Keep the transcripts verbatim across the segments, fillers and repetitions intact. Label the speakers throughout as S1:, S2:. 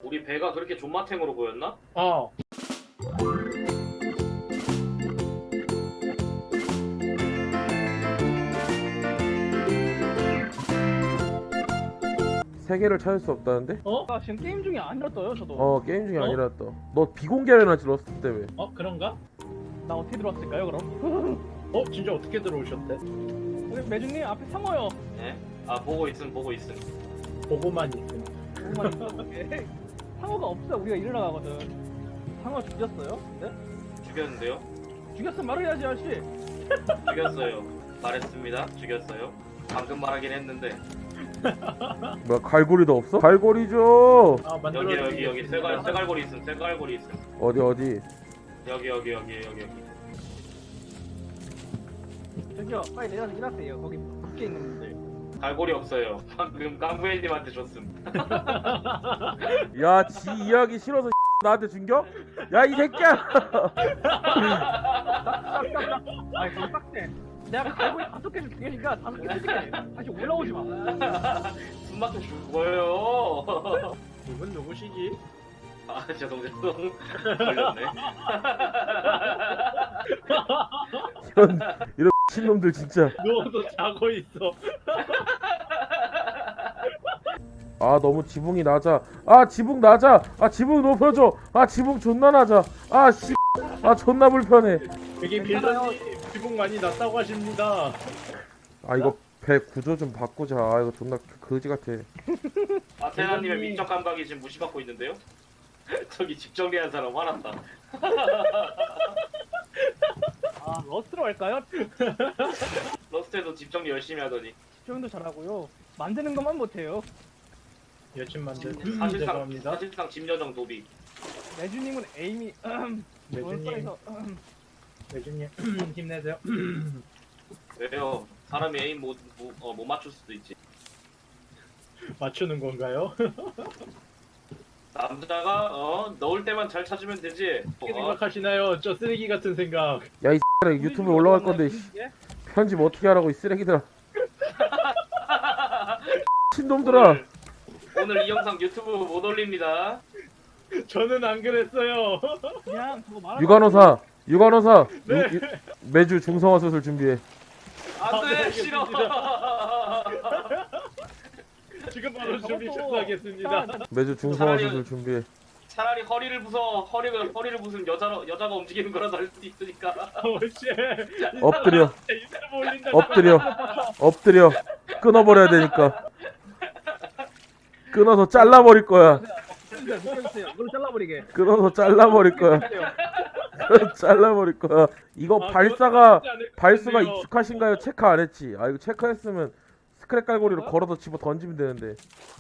S1: 우리 배가 그렇게 존맛탱으로 보였나?
S2: 어.
S3: 세 개를 찾을 수 없다는데?
S2: 어?
S4: 아, 지금 게임 중에 아니라 떠요 저도.
S3: 어 게임 중에
S2: 어?
S3: 아니라 떠. 너 비공개로 해놨지 러스트 때문에.
S2: 어 그런가?
S4: 나 어떻게 들어왔을까요 그럼?
S2: 어 진짜 어떻게 들어오셨대?
S4: 우리 매주님 앞에 상어요.
S1: 예? 아 보고 있음 보고 있음.
S2: 보고만 있음.
S4: 조금만 있어볼게. 상어가 없어 우리가 일을 나가거든. 상어 죽였어요? 네?
S1: 죽였는데요?
S4: 죽였으면 말해야지 아저씨.
S1: 죽였어요. 말했습니다. 죽였어요. 방금 말하긴 했는데.
S3: 뭐야 갈고리도 없어? 갈고리 줘.
S2: 아 만들어.
S1: 여기 여기 여기 쇠갈 쇠갈고리 있음. 쇠갈고리 있음.
S3: 어디 어디?
S1: 여기 여기 여기 여기 여기.
S4: 저기요 빨리 내려서 일하세요. 거기 밖에 있는 분들.
S1: 갈고리 없어요. 방금 깡부애님한테 줬음.
S3: 야 지 이야기 싫어서 나한테 준겨? 야 이 새끼야.
S4: 아니 그럼 빡세. 내가 갈고리 다섯 개를 죽이니까 다섯 개 줄게. 다시 올라오지 마.
S1: 숨 막혀 죽어요.
S2: 이분 누구시지?
S1: 아 죄송 죄송. 걸렸네.
S3: 이런 이런 신놈들 진짜.
S2: 누워서 자고 있어.
S3: 아 너무 지붕이 낮아. 아 지붕 낮아. 아 지붕 높여줘. 아 지붕 존나 낮아. 아 씨. 아 존나 불편해.
S2: 여기 빌런님 지붕 많이 낮다고 하십니다.
S3: 아 이거 배 구조 좀 바꾸자. 아 이거 존나 거지 같아.
S1: 아테나님의 미적 감각이 지금 무시받고 있는데요? 저기 집 정리한 사람 화났다.
S4: 아 러스트로 할까요?
S1: 러스트에도 집 정리 열심히 하더니.
S4: 집중도 잘하고요. 만드는 것만 못해요.
S2: 여친 만들.
S1: 사실상
S2: 죄송합니다.
S1: 사실상 집여정 도비.
S4: 매주님은 에임이
S2: 매주님.
S4: 원서에서
S2: 매주님 힘내세요.
S1: 왜요? 사람이 에임 못, 못, 어, 못 맞출 수도 있지.
S2: 맞추는 건가요?
S1: 남자가 어 넣을 때만 잘 찾으면 되지.
S2: 어떻게
S1: 어?
S2: 생각하시나요? 저 쓰레기 같은 생각.
S3: 야 이 X라 유튜브에 올라갈 건데 씨, 편집 어떻게 하라고 이 쓰레기들아. 신놈들아.
S1: 오늘, 오늘 이 영상 유튜브 못 올립니다.
S2: 저는 안 그랬어요.
S4: 그냥 그거 말하고
S3: 육아노사 육아노사
S2: 네.
S3: 유- 유- 매주 중성화 수술 준비해.
S2: 아, 네,
S1: 안돼 싫어.
S2: 지금 바로 준비
S4: 저것도
S2: 시작하겠습니다.
S3: 매주 중성화
S1: 차라리-
S3: 수술 준비해.
S1: 차라리 허리를 부숴 허리를 허리를 부순 여자 여자가 움직이는 거라도 할 수도 있으니까.
S2: 오씨.
S3: 엎드려
S2: 이 사람 올린다.
S3: 엎드려 엎드려 끊어버려야 되니까. 끊어서 잘라버릴 거야.
S4: 느껴주세요. 느껴주세요. 이걸 잘라버리게.
S3: 끊어서 잘라버릴 거야. 잘라버릴 거야. 이거
S2: 아,
S3: 발사가
S2: 그건 하지 않을 것
S3: 발수가
S2: 같은데요.
S3: 익숙하신가요? 체크 안 했지. 아 이거 체크했으면 스크랩 갈고리로
S4: 어?
S3: 걸어서 집어 던지면 되는데.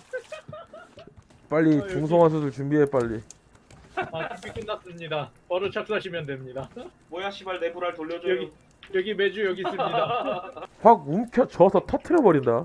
S3: 빨리
S2: 아, 여기-
S3: 중성화 수술 준비해 빨리.
S2: 아, 준비 끝났습니다. 바로 착수하시면 됩니다.
S1: 뭐야 씨발 내 불알 돌려줘요.
S2: 여기 여기 매주 여기 있습니다.
S3: 확 움켜져서 터트려 버린다.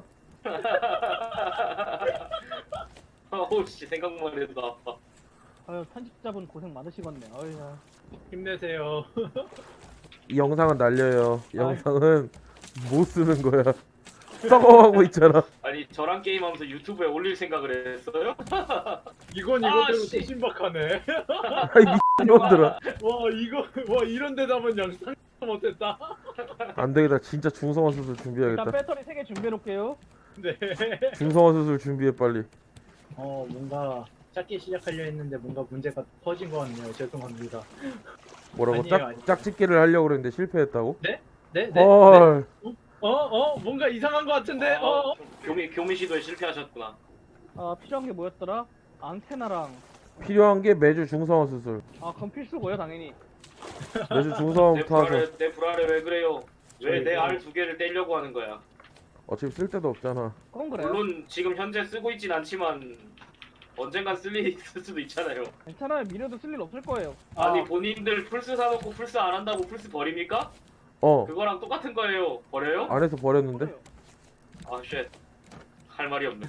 S1: 어우씨 생각만 해도 아파.
S4: 아유 편집자분 고생 많으시겠네. 어이야.
S2: 힘내세요.
S3: 이 영상은 날려요. 이
S4: 아이.
S3: 영상은 못 쓰는 거야. 썩어가고 있잖아.
S1: 아니 저랑 게임하면서 유튜브에 올릴 생각을 했어요?
S2: 이건
S1: 아,
S2: 이거대로
S1: 씨.
S2: 또 신박하네.
S3: 아이 미친놈들아.
S2: 와 이거 와 이런 대답은 영상 못했다.
S3: 안 되겠다. 진짜 중성화 수술
S4: 일단
S3: 준비해야겠다.
S4: 배터리 세 개 준비해 놓을게요.
S2: 네.
S3: 중성화 수술 준비해 빨리.
S2: 어 뭔가 짧게 시작하려 했는데 뭔가 문제가 터진 것 같네요. 죄송합니다.
S3: 뭐라고
S2: 아니에요,
S3: 짝
S2: 아니에요.
S3: 짝짓기를 하려고 그랬는데 실패했다고?
S2: 네? 네? 네?
S3: 헐.
S2: 어? 어? 뭔가 이상한 것 같은데? 어?
S1: 어,
S2: 어?
S1: 교미 교미 시도에 실패하셨구나.
S4: 아 필요한 게 뭐였더라? 안테나랑
S3: 필요한 게 매주 중성화 수술.
S4: 아 그럼 필수고요 당연히.
S3: 매주
S1: 내
S3: 중성화부터 하죠.
S1: 불알에 내 불알에 왜 그래요? 왜 내
S2: 저희도-
S1: 알 두 개를 떼려고 하는 거야?
S3: 어차피 쓸 데도 없잖아.
S4: 그건 그래요.
S1: 물론 지금 현재 쓰고 있진 않지만 언젠간 쓸 일이 있을 수도 있잖아요.
S4: 괜찮아요. 미래도 쓸 일 없을 거예요.
S1: 아니
S2: 아.
S1: 본인들 플스 사놓고 플스 안 한다고 플스 버립니까?
S3: 어.
S1: 그거랑 똑같은 거예요. 버려요?
S3: 안에서 버렸는데?
S4: 그래요.
S1: 아 쉣. 할 말이 없네.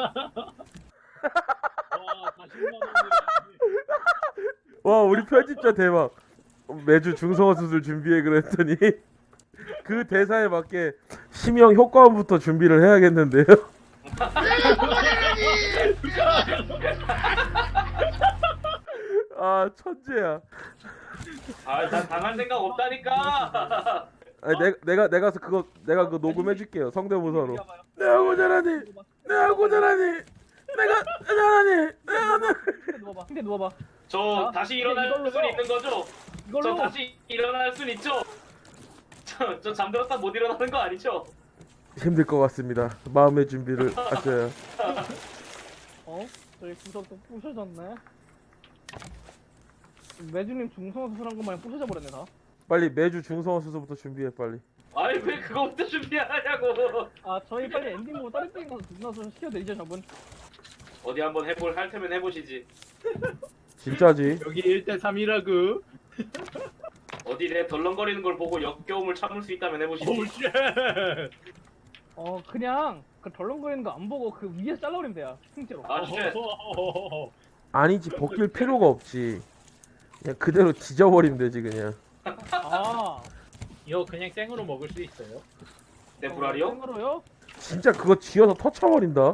S2: 와 사십만 원이라니.
S3: 와 우리 편집자 대박. 매주 중성화 수술 준비해 그랬더니 그 대사에 맞게 심형 효과음부터 준비를 해야겠는데요. 아 천재야.
S1: 아난 당할 생각 없다니까.
S3: 아니 내, 내가 내가 서 그거 내가 그거 녹음해줄게요 성대모사로. 내가 고자라니 내가 고자라니 내가 고자라니 내가 나.
S4: 근데 누워봐. 근데 누워봐.
S1: 저
S4: 자,
S1: 다시
S4: 이제
S1: 일어날
S4: 이걸로요.
S1: 수 있는 거죠?
S4: 이걸로.
S1: 저 다시 일어날 순 있죠? 저, 저 잠들었다 못 일어나는 거 아니죠?
S3: 힘들 것 같습니다. 마음의 준비를 하셔야.
S4: 어? 저희 구석도 부셔졌네. 매주님 중성화 수술한 것만 부셔져 버렸네 다.
S3: 빨리 매주 중성화 수술부터 준비해 빨리.
S1: 아니 왜 그거부터 준비하냐고.
S4: 아 저희 빨리 엔딩 보고 다른 게임 가서 중성화 수술 시켜드리죠 저분.
S1: 어디 한번 해볼 할 테면 해보시지.
S3: 진짜지?
S2: 여기 일 대 삼이라구.
S1: 어디 내 덜렁거리는 걸 보고 역겨움을 참을 수 있다면 해보시지.
S2: 오우 쉣.
S4: 어 그냥 그 덜렁거리는 거 안 보고 그 위에서 잘라버리면 돼요. 통째로.
S1: 아 쉣.
S3: 아니지 벗길 필요가 없지. 그냥 그대로 지져버리면 되지 그냥.
S4: 아.
S2: 이거 그냥 생으로 먹을 수 있어요?
S1: 내 불알이요?
S4: 생으로요?
S3: 진짜 그거 지어서 터쳐버린다.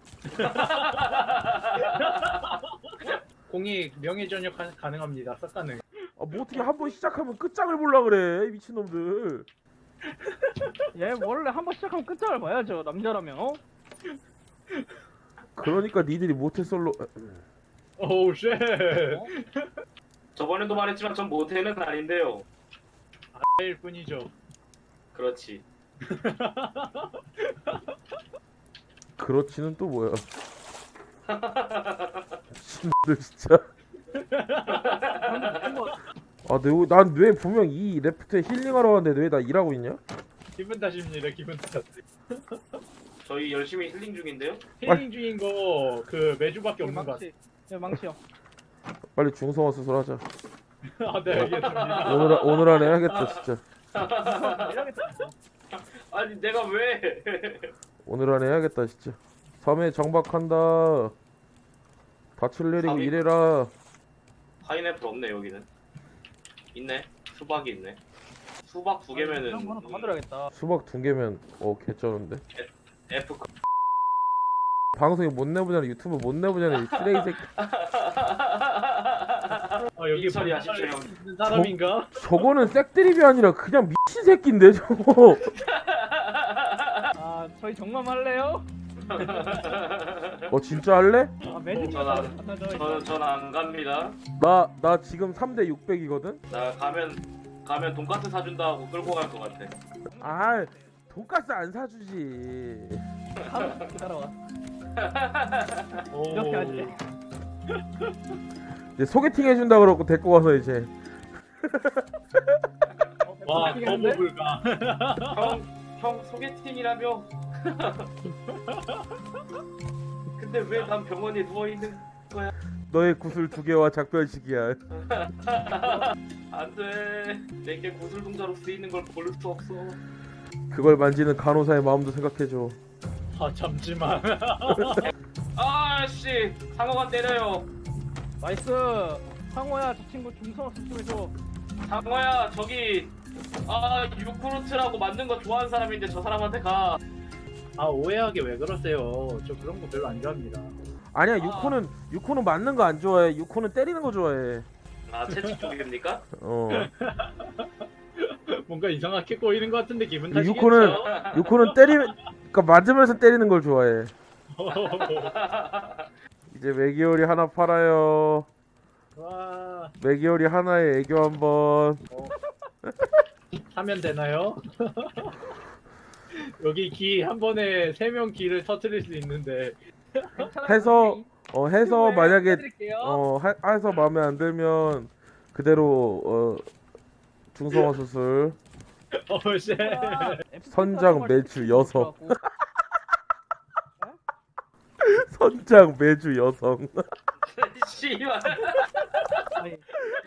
S2: 공이 명예 전역 가- 가능합니다. 싹 가능.
S3: 아, 뭐 어떻게 한 번 시작하면 끝장을 볼라 그래 이 미친놈들.
S4: 얘 원래 한 번 시작하면 끝장을 봐야죠 남자라면. 어?
S3: 그러니까 니들이 모태솔로.
S2: 오우 쉣.
S1: 저번에도 말했지만 전 모태는 아닌데요.
S2: 일 뿐이죠.
S1: 그렇지.
S3: 그렇지는 또 뭐야. 미친놈들 진짜. 아난 왜 분명 이 레프트에 힐링하러 왔는데 왜 나 일하고 있냐?
S2: 기분 탓입니다. 기분 탓.
S1: 저희 열심히 힐링 중인데요.
S2: 힐링 중인 거 그 매주밖에 없는 것 같아.
S4: 망치. 네 망치요.
S3: 빨리 중성화 수술하자.
S2: 아, 네, 알겠습니다.
S3: 오늘 아- 오늘 안에 해야겠다 진짜.
S4: 이러겠다.
S1: 아니 내가 왜?
S3: 오늘 안에 해야겠다 진짜. 섬에 정박한다. 닻을 내리고
S1: 섬이-
S3: 일해라.
S1: 파인애플 없네 여기는. 있네. 수박이 있네. 수박 두 개면은
S4: 이런 거 하나 더 만들어야겠다.
S3: 수박 두 개면 어 개쩌는데.
S1: F
S3: 방송에 못 내보잖아. 유튜브 못 내보잖아. 이 쓰레기 새끼.
S2: 아, 여기
S1: 이철이 하십시오.
S2: 있는 사람인가?
S3: 저거는 색드립이 아니라 그냥 미친 새끼인데 저거.
S4: 아 저희 정말 할래요?
S3: 어 진짜 할래?
S4: 아 매주
S1: 전화.
S4: 갖다 줘.
S1: 저 전 안 갑니다.
S3: 나 나 지금 삼 대 육백이거든.
S1: 나 가면 가면 돈까스 사준다 하고 끌고 갈 것 같아.
S3: 아 돈가스 안 사주지.
S4: 하루 기다려와.
S2: 오.
S4: 이렇게 하지.
S3: 이제 소개팅 해준다 그러고 데리고 와서 이제.
S2: 와,
S4: 소개팅했는데?
S2: 너무 불가.
S1: 형, 형 소개팅이라며? 근데 왜 난 병원에 누워 있는?
S3: 너의 구슬 두 개와 작별식이야.
S1: 안돼. 내게 구슬 동자로 쓰이는 걸 볼 수 없어.
S3: 그걸 만지는 간호사의 마음도 생각해줘.
S2: 아, 잠시만.
S1: 아씨 상어가 때려요.
S4: 나이스. 상호야 저 친구 중성화 수술해줘.
S1: 상어야 저기 아 유쿠르트라고 만든 거 좋아하는 사람인데 저 사람한테 가.
S2: 아, 오해하게 왜 그러세요? 저 그런 거 별로 안 좋아합니다.
S3: 아니야 유코는 유코는 맞는 거 안 좋아해. 유코는 때리는 거 좋아해.
S1: 아 채찍 쪽입니까?
S3: 어.
S2: 뭔가 이상하게 꼬이는 것 같은데 기분 탓이겠죠?
S3: 유코는 유코는 때리면 그러니까 맞으면서 때리는 걸 좋아해. 이제 메기오리 하나 팔아요.
S2: 와,
S3: 메기오리 하나에 애교 한번.
S2: 사면 되나요? 여기 기 한 번에 세 명 기를 터트릴 수 있는데.
S3: 해서 어 해서 만약에
S4: 해드릴게요.
S3: 어 하, 해서 마음에 안 들면 그대로 어 중성화 수술.
S2: 어, 쉣.
S3: 선장 매주 여성. 선장 매주 여성.
S1: 씨발.
S4: 아니,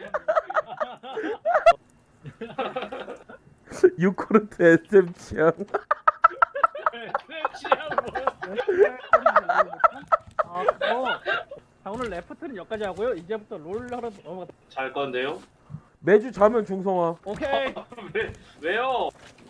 S3: 유코르트 에스엠 취향.
S2: 취향 뭐야?
S4: 아 그거. 자 오늘 레프트는 여기까지 하고요. 이제부터 롤 하러 넘어가.
S1: 잘 건데요?
S3: 매주 자면 중성화.
S4: 오케이.
S1: 왜 왜요?